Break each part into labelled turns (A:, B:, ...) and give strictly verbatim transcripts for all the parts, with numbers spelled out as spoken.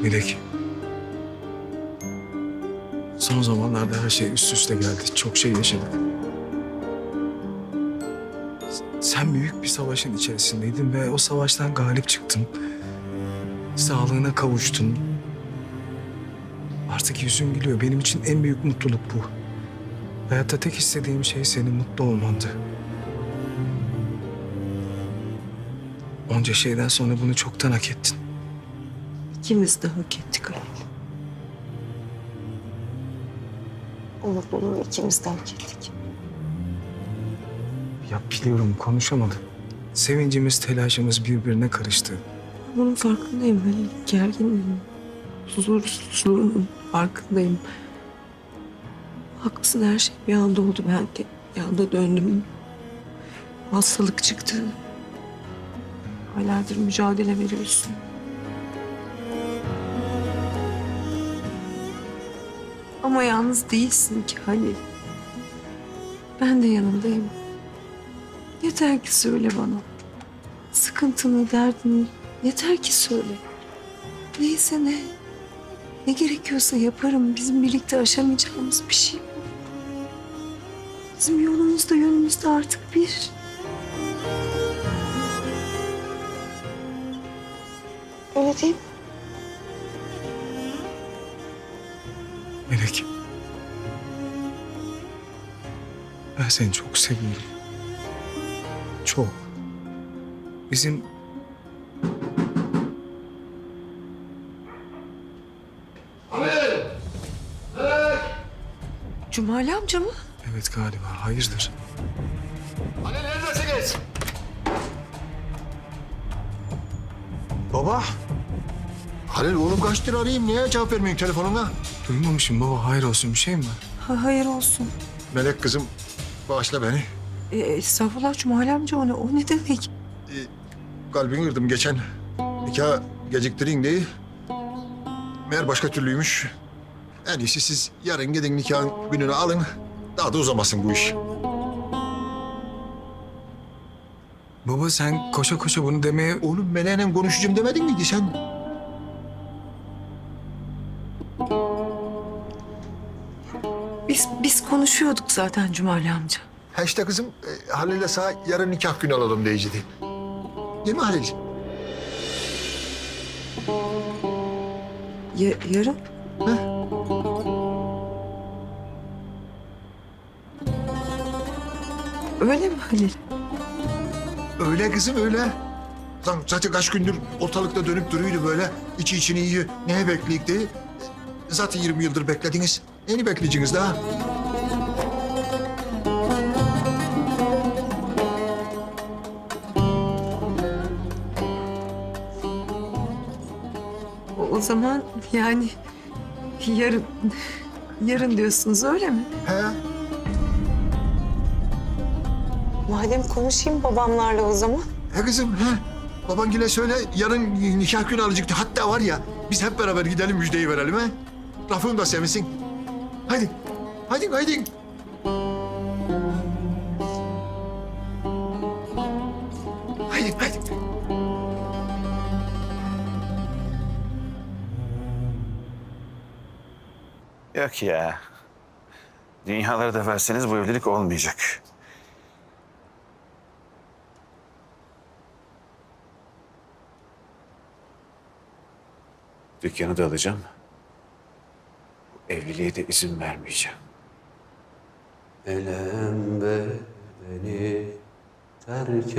A: Melek. Son zamanlarda her şey üst üste geldi. Çok şey yaşadık. Sen büyük bir savaşın içerisindeydin ve o savaştan galip çıktın. Sağlığına kavuştun. Artık yüzün gülüyor. Benim için en büyük mutluluk bu. Hayatta tek istediğim şey senin mutlu olmandı. Onca şeyden sonra bunu çoktan hak ettin.
B: İkimiz de hak ettik Halil. O mutluluğu ikimiz de hak ettik.
A: Ya biliyorum konuşamadım. Sevincimiz, telaşımız birbirine karıştı.
B: Bunun farkındayım Halil. Gerginim. Huzursuzluğunun farkındayım. Haklısın, her şey bir anda oldu. Ben de bir anda döndüm. Hastalık çıktı. Aylardır mücadele veriyorsun. Ama yalnız değilsin ki Halil. Ben de yanındayım. Yeter ki söyle bana. Sıkıntını, derdini yeter ki söyle. Neyse ne. Ne gerekiyorsa yaparım. Bizim birlikte aşamayacağımız bir şey bu. Bizim yolumuz da yönümüz de artık bir. Öyle değil mi?
A: Melek. Ben seni çok seviyorum. Çok. Bizim...
B: Cumali amca mı?
A: Evet galiba. Hayırdır?
C: Hani neredesiniz?
A: Baba.
C: Halil oğlum kaçtır arayayım. Niye cevap vermiyorsun telefonuna?
A: Duymamışım baba. Hayır olsun. Bir şey mi var?
B: Ha, hayır olsun.
C: Melek kızım bağışla beni.
B: E, estağfurullah Cumali amca, o ne, o ne demek?
C: Ee, kalbini kırdım geçen. Nikah geciktirin diye. Meğer başka türlüymüş. En iyisi siz yarın gidin nikahın gününü alın. Daha da uzamasın bu iş.
A: Baba sen koşa koşa bunu demeye...
C: Oğlum Melek'le konuşacağım demedin miydi sen?
B: Biz biz konuşuyorduk zaten Cumali amca.
C: Ha işte kızım e, Halil'le sağ yarın nikah günü alalım diyecekti. Değil mi Halil?
B: Ya, yarın?
C: Ha?
B: Öyle mi Halil?
C: Öyle kızım öyle. Lan zaten kaç gündür ortalıkta dönüp duruyordu böyle. İçi içini yiyor. Neye bekleyik diye. Zaten yirmi yıldır beklediniz. Neyini bekleyeceksiniz daha?
B: O, o zaman yani yarın, yarın diyorsunuz öyle mi?
C: He?
B: Madem konuşayım babamlarla o zaman.
C: He kızım he. Babangile söyle yarın nikah günü alacaktı. Hatta var ya biz hep beraber gidelim müjdeyi verelim he. Rafım da sevinsin. Haydi. Haydi haydi. Haydi haydi.
D: Yok ya. Dünyaları da verseniz bu evlilik olmayacak. Dükkanı da alacağım. Bu evliliğe de izin vermeyeceğim.
E: Elem beni terk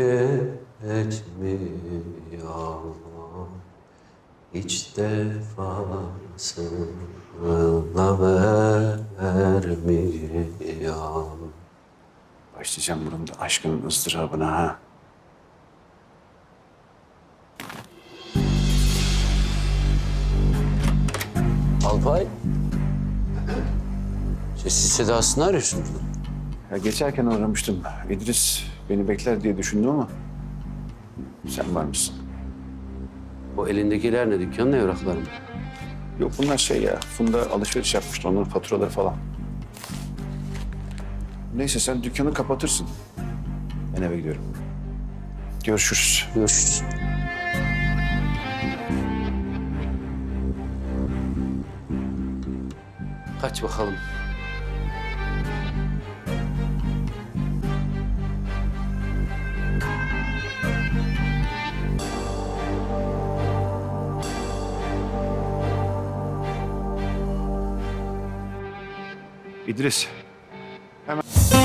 E: etmiyor, hiç defasına vermiyor.
D: Başlayacağım bunun da aşkının ızdırabına ha.
E: Alpay, sessiz sedasını arıyorsun burada.
D: Ya geçerken uğramıştım. İdris beni bekler diye düşündüm ama sen var mısın?
E: O elindekiler ne, dükkanın evrakları mı?
D: Yok bunlar şey ya, Funda alışveriş yapmıştı, onların faturaları falan. Neyse sen dükkanı kapatırsın. Ben eve gidiyorum. Görüşürüz.
E: Görüşürüz. Kaç bakalım.
D: İdris. Hemen